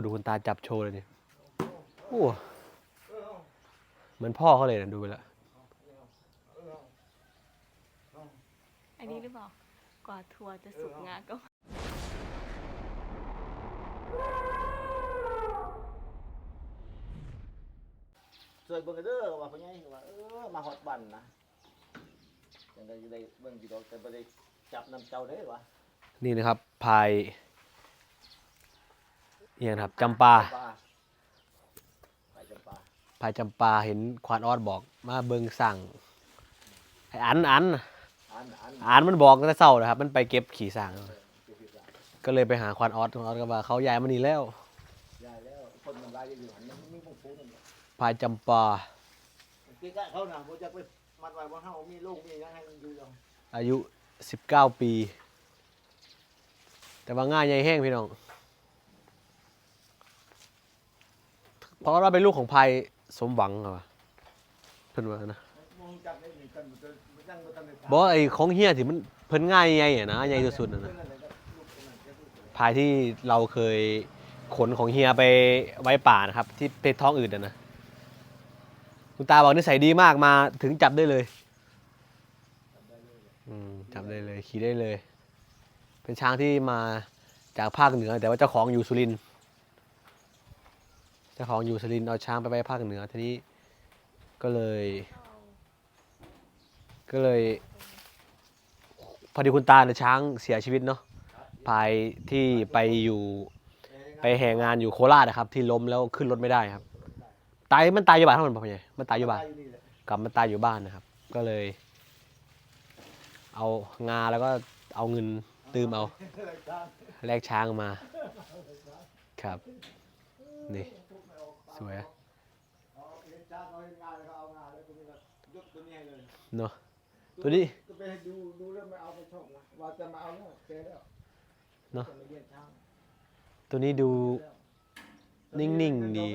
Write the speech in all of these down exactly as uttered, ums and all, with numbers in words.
ดูคุณตาจับโชว์เลยนี่โอ้เหมือนพ่อเขาเลยนะดูไปแล้วอันนี้หรือเปล่ากว่าทัวร์จะสุกงาก็สวยเบิ่งเด้อว่าพ่อใหญ่ว่าเออมาฮอดบ้านนะจังได๋ได้เบิ่งสิดอกแต่บ่ได้จับน้ำเจ้าเด้อวะนี่นะครับพายเนี่ยครับจำปาพายจำปาพายจำปาเห็นควานออดบอกมาเบิ่งสั่งไอ้อันอันอันอันอันมันบอกตั้งแต่เช้านะครับมันไปเก็บขี่สั่งก็เลยไปหาควานออดควานออดก็ว่าเขาย้ายมานี่แล้วย้ายแล้วคนมันหลายอยู่หันมันมีบ่ฟูนั่นแหละพายจำปากินกะเขาน่ะบ่จักไปมัดไว้บ่เฮามีลูกมีหยังให้มันอยู่ดอกอายุสิบเก้าปีแต่ว่าง่ายใหญ่แห้งพี่น้องเพราะว่าเป็นลูกของพายสมหวังเหรอเพิ่นว่านะบอกไอ้ของเฮียที่มันเพิ่นง่ายใหญ่อะนะใหญ่สุดๆนะนะพายที่เราเคยขนของเฮียไปไว้ป่านะครับที่เพชรท้องอืดอะนะคุณตาบอกนิสัยดีมากมาถึงจับได้เลยอืมจับได้เลยขี่ได้เลยเป็นช้างที่มาจากภาคเหนือแต่ว่าเจ้าของอยู่สุรินทร์เจ้าของอยู่สุรินทร์เอาช้างไปไว้ภาคเหนือทีนี้ก็เลยก็เลยพอดีคุณตาเนี่ยช้างเสียชีวิตเนาะพายที่ไปอยู่ไปแห่งานอยู่โคราชนะครับที่ล้มแล้วขึ้นรถไม่ได้ครับตายมันตายอยู่บ้านทั้งหมดป่ะพ่อใหญ่มันตายอยู่บ้านกลับมันตายอยู่บ้านนะครับก็เลยเอางาแล้วก็เอาเงินตืมเอาแลกช้างมาครับนี่สวยเนาะตัวนี้เนาะตัวนี้ดูนิ่งๆดี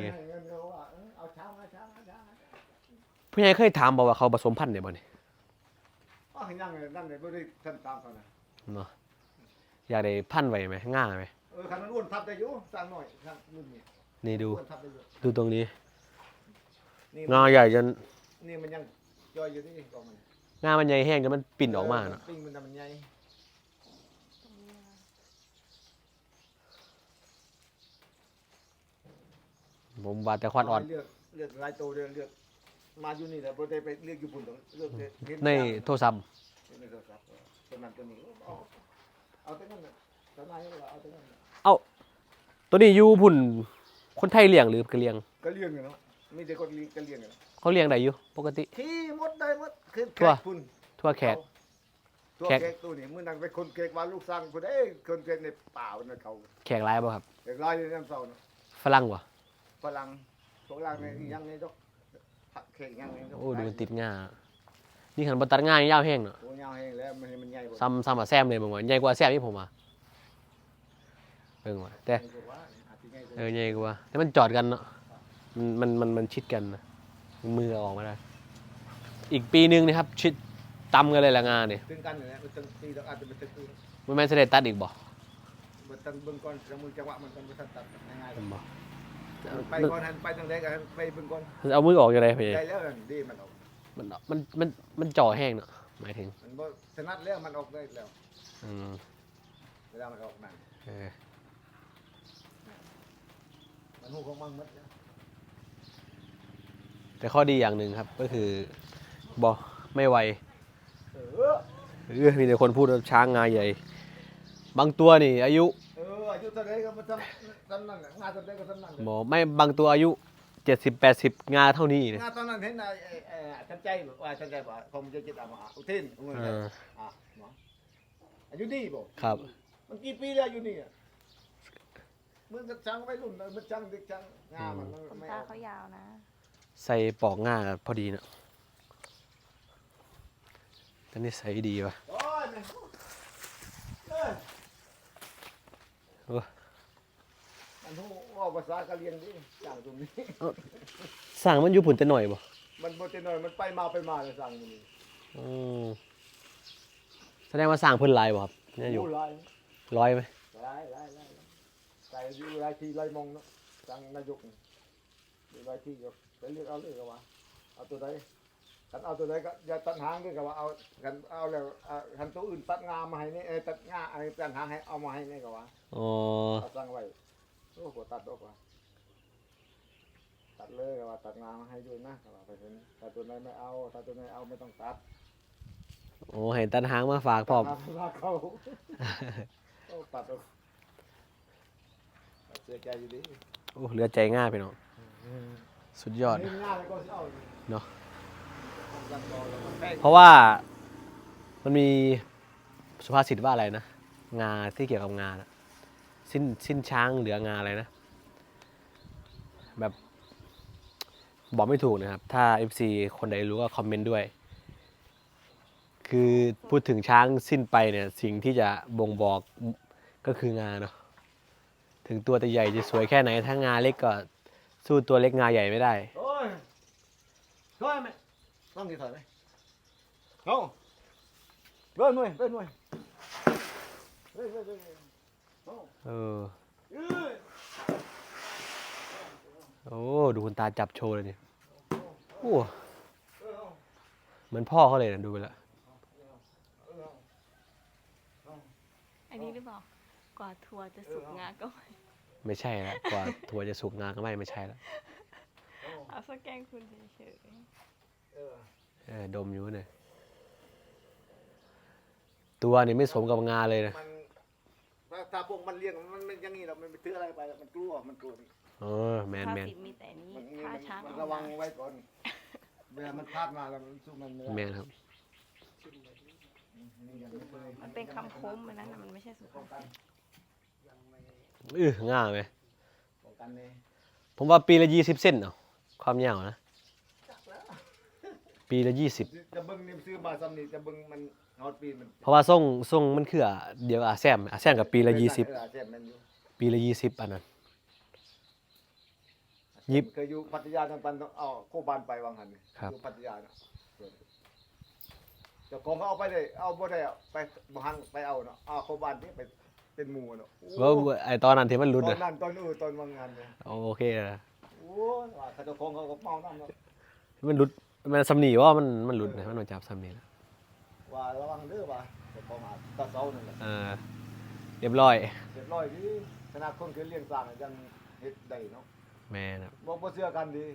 พี่ใหญ่เคยถามบอกว่าเขาผสมพันธุ์เนี่ยบ่เนี่ยอ๋อยังเลยนั่นเลยบ่ได้ท่านตามเขานะเนาะอยากได้พันธุ์ไว้ไหมง่าไหมเออคันมันอ้วนทับได้อยู่สั่งหน่อยสั่งรุ่นนี้นี่ดูดูตรงนี้งาใหญ่จนนี่มันยังย่อยอยู่ที่กองมันงามันใหญ่แห้งจนมันปิ่นออกมาเนาะปิ้งมันมันใหญ่ผมว่าแต่ควานอ่อนเลือกเลือกหลายตัวเลือกเลือกมาอยู่นี่แหละบ่ได้ไปเลือกอยู่พุ่นต้องเลือกในโทรศัพท์ในโทรศัพท์ตัวนั้นตัวนี้เอาเอาแต่นั้นน่ะตัวไหนเอาแต่นั้นเอาตัวนี้อยู่พุ่นคนไทยเลี้ยงหรือกะเลี้ยงก็เลี้ยงอยู่เนาะมีแต่คนเลี้ยงก็เลี้ยงอยู่เขาเลี้ยงได้อยู่ปกติที่หมดได้หมดคือแขกพุ่นทั่วแขกตัวแขกตัวนี้มื้อนั้นไปคนแขกว่าลูกสร้างพุ่นเอ้คนแขกในป่าน่ะเขาแขกหลายบ่ครับแขกหลายในน้ำเซาเนาะฝรั่งบ่ฝรั่งพวกเราในยังในดอกแขกยังในดอกโอ้ดูมันติดง่านี่คันบ่ตัดง่ายาวแห้งเนาะโอ้ยาวแห้งแล้วมันมันใหญ่บ่ซ้ำซ้ำกับแซมเลยบ่ว่าใหญ่กว่าแซมนี่ผมว่าเบิ่งว่าแต่เออใหญ่กว่าแต่มันจอดกันเนาะมันมันมันชิดกันนะมือออกมาได้อีกปีนึงนะครับชิดตำกันเลยละงานนี่ตึงกันนี่แหละมันตึงตีดอกอาจจะเป็นตึงกูมันแม่นสิได้ตัดอีกบ่บ่ตัดเบิ่งก่อนจังมือจังหวะมันต้องบ่ทันตัดง่ายๆบ่ไปก่อนหันไปทางใดก็ไปเบิ่งก่อนเอามือออกจังได๋พี่ได้แล้วดีมันออกมันมันมันมันจ่อแห้งเนาะหมายถึงมันบ่ถนัดแล้วมันออกได้แล้วอืมเวลามันออกนั่นเออมันฮู้ของมันหมดแต่ข้อดีอย่างหนึ่งครับก็คือบ่ไม่ไวเออเออมีแต่คนพูดว่าช้างงาใหญ่บางตัวนี่อายุเอออายุเท่าใดก็บ่ทำซั่นนั่นงาเท่าใดก็ซั่นนั่นบ่ไม่บางตัวอายุเจ็ดสิบ แปดสิบงาเท่านี้งาตอนนั้นเห็นไอ้ไอ้ทันใจว่าทันใจบ่คงจะจิตเอามาอุทินเอออ่ะเนาะอายุดีบ่ครับมันกี่ปีแล้วอยู่นี่อ่ะมึงก็จังไว้รุ่นมันจังเด็กจังงามันไม่ตาเขายาวนะใส่ปอกง่าพอดีเนาะแต่นี่ใส่ดีป่ะโอ้ยเอ้ยโอ้มันฮู้ว่าภาษากะเลียงดิจังตรงนี้สั่งมันอยู่พุ่นแต่หน่อยบ่มันบ่แต่น้อยมันไปมาไปมาเลยสั่งมื้อนี้อือแสดงว่าสั่งเพิ่นหลายบ่ครับเนี่ยอยู่ร้อยมั้ยหลายไก่อยู่ไรที่ไรมองเนาะจังนายกอยู่ไรที่ก็ไปเลือกเอาเลยก็ว่าเอาตัวใดกันเอาตัวใดก็อย่าตัดหางด้วยก็ว่าเอากันเอาแล้วคันตัวอื่นตัดงามาให้นี่เอตัดงาไอ้ตัดหางให้เอามาให้นี่ก็ว่าอ๋อเอาสั่งไว้โอ้โหตัดออกว่าตัดเลยก็ว่าตัดงามาให้ด้วยนะก็ว่าไปเห็นถ้าตัวไหนไม่เอาถ้าตัวไหนเอาไม่ต้องตัดโอ้เห็นตันหางมาฝากพร้อมตัดมาเขาโอ้ตัดออกตัดเสียใจอยู่ดิโอ้เหลือใจง่ายไปเนาะสุดยอดนี่ง่ายเลยก็สิเอาเนาะตัดต่อแล้วมันแป้งเพราะว่ามันมีสุภาษิตว่าอะไรนะ งาที่เกี่ยวกับงานะสิ้นสิ้นช้างเหลืองาอะไรนะ แบบบอกไม่ถูกนะครับ ถ้า เอฟ ซี คนใดรู้ก็คอมเมนต์ด้วย คือพูดถึงช้างสิ้นไปเนี่ย สิ่งที่จะบ่งบอกก็คืองาเนาะถึงตัวจะใหญ่จะสวยแค่ไหน ถ้างาเล็กก็สู้ตัวเล็กงาใหญ่ไม่ได้โอ้ยช่วยไหมต้องกี่ถอยไหมเอาเบิ้ลหน่วยเบิ้ลหน่วยเบิ้ลเบิ้ลเบิ้ลเอาเออเอ้ยโอ้ดูคุณตาจับโชว์เลยเนี่ยโอ้เออเอาเหมือนพ่อเขาเลยนะดูไปแล้วเออเอาอันนี้หรือเปล่ากว่าทัวร์จะสุกงาก็ไม่ไม่ใช่แล้วกว่าถั่วจะสุกงาก็ไม่ไม่ใช่แล้วเอาสแกล้งคุณเฉยเออเออดมอยู่เนี่ยตัวนี่ไม่สมกับงาเลยนะมันถ้าถ้าพวกมันเลี้ยงมันมันอย่างนี้เรามันไปถืออะไรไปมันกลัวมันกลัวเออแมๆนถ้าแมนสิบมีแต่นี้มันถ้าช้างมันเอาระวังมาไว้ก่อนเวลามันพลาดมาแล้วมันสู้มันไม่ได้แมนครับนี่ยังไม่เคยมันเป็นคำคมมันนั้นนะมันไม่ใช่สุภาษิตอือง่าไหมป้องกันเลยผมว่าปีละยี่สิบเส้นเนาะความยาวนะปีละยี่สิบจะเบิ้งนี่ซื้อมาซ้ำนี่จะเบิ้งมันฮอตปีมันเพราะว่าส่งส่งมันคืออะเดียวกับอาแซมอาแซมกับปีละยี่สิบเออเจ็บมันอยู่ปีละยี่สิบอันนั้น ยิบเคยอยู่พัทยาทางปันต้องเอาโคบานไปวางหันครับอยู่พัทยาเนาะเจ้าของเขาเอาไปเลยเอาบ่ได้เอาไปบ่หันไปเอาเนาะเอาโคบานที่ไปเป็นหมู่เนาะโอ้ว่าไอตอนนั้นที่มันหลุดตออะนนั้นตอนอื่นตอนวางงานเนี่ยโอเคนะโอ้ยว่าเขาเจ้าของเขาก็เมาน้ำเนาะมันหลุดมันสำนีว่ามันมันหลุดนะมันมาจับสำนีนะว่าระวังเด้อว่าเจ้าของอาจตาเซานั่นแหละเออเรียบร้อยเรียบร้อยดีขนาดคนเคยเลี้ยงสร้างยังเฮ็ดได้เนาะแม่นะบ่บ่เชื่อกันดี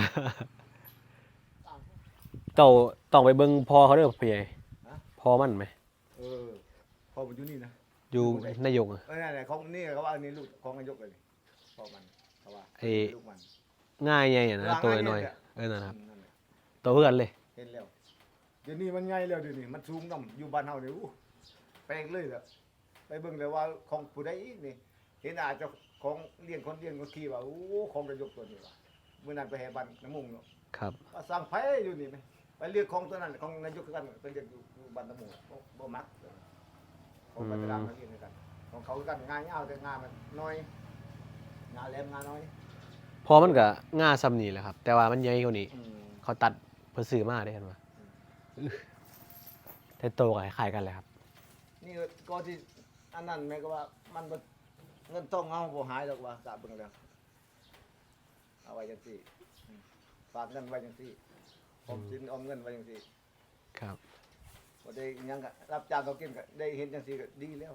เจ้าต้องไปเบิ่งพอเขาเด้อพี่ใหญ่พอมันไหมเออพอมันอยู่นี่นะอยู่นายกอะเออนี่ๆของนี่เขาว่าอันนี้ลูกของนายกเลยนี่พอมันเขาว่าไอ้ลูกมันง่ายไงอะนะหลังตัวง่ายน้อยเนี่ยๆเออนั่นนะครับนั่นแหละตัวเพื่อนเลยเห็นแล้วเดี๋ยวนี้มันใหญ่แล้วเดี๋ยวนี้มันสูงนํอยู่บ้านเฮานี่อู้แปลงเลยล่ะไปเบิ่งเลยว่าของผู้ใดอีกนี่เห็นอาจจะของเลี้ยงคนเลี้ยงก็ขี้ว่าโอ้ของนายกตัวนี้ว่ะมื้อนั้นไปแห่บ้านน้ำมุงเนาะครับว่าสร้างไผอยู่นี่ไหมไปเรียกของตัวนั้นของนายกคือกันไปเรียกอยู่อยู่บ้านน้ำมุงบ่บ่มักของปัตตานีนั่นเองคือกันของเขาคือกันงานยาวแต่งานมันน้อยงานแหลมงานน้อยพอมันก็ง่าซ้ำนี่แหละครับ แต่ว่ามันใหญ่กว่านี้อืมเขาตัดเพื่อซื้อมาได้เห็นว่าแต่โตกับคล้ายๆกันเลยครับนี่ก็ที่อันนั้นแม่ก็ว่ามันบ่เงินต้องเอาบ่หายหรอกว่ากะเบิ่งแล้วเอาไว้จังซี่อืมฝากเงินไว้จังซี่ออมสินออมเงินไว้จังซี่ครับบ่ได้หยังก็รับจ้างเขากินก็ได้เห็นจังซี่ก็ดีแล้ว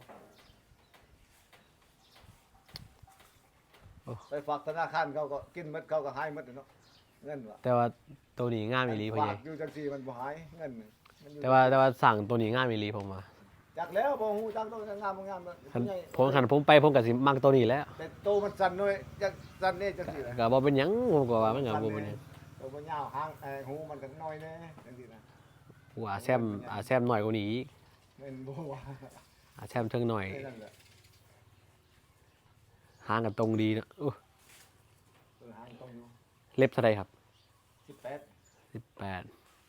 โอ้ไปฝากธนาคารเขาก็กินหมดเขาก็หายหมดเนาะเงินว่ะแต่ว่าตัวนี้ง่ามอีหลีพ่อใหญ่ฝากอยู่จังซี่มันบ่หายเงินมันอยู่แต่ว่าแต่ว่าสั่งตัวนี้ง่ามอีหลีผมมาจักแล้วบ่ฮู้จักต้องงามบ่งามคันใหญ่ผมคันผมไปผมก็สิมักตัวนี้แหล้วแต่โตมันสั่นหน่อยจักสั่นแน่จังซี่แหละก็บ่เป็นหยังผมก็ว่ามันก็บ่เป็นหยังโตมันยาวหางเอ่อหูมันก็น้อยแน่จังซี่นะกูอาแซมอาแซมหน่อยกว่านี้อีกแม่นบ่ว่าอาแซมเทิงหน่อยไอ้นั่นแหละหางกันตรงดีนะอู้เออหางต้องอยู่เล็บเท่าใดครับสิบแปดสิบแปด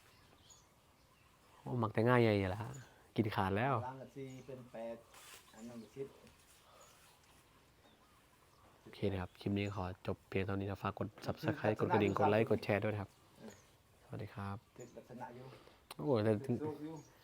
โอ้มักแต่ง่ายใหญ่ๆล่ะกินขาดแล้วล้างกับสี่เป็นแปดอันนั้นก็สิบโอเคนะครับ คลิปนี้ขอจบเพียงเท่านี้นะฝากกด Subscribe กดกระดิ่ง กดไลค์ กดแชร์ด้วยนะครับ สวัสดีครับเป็นลักษณะอยู่โอ้แต่เป็นลูกอยู่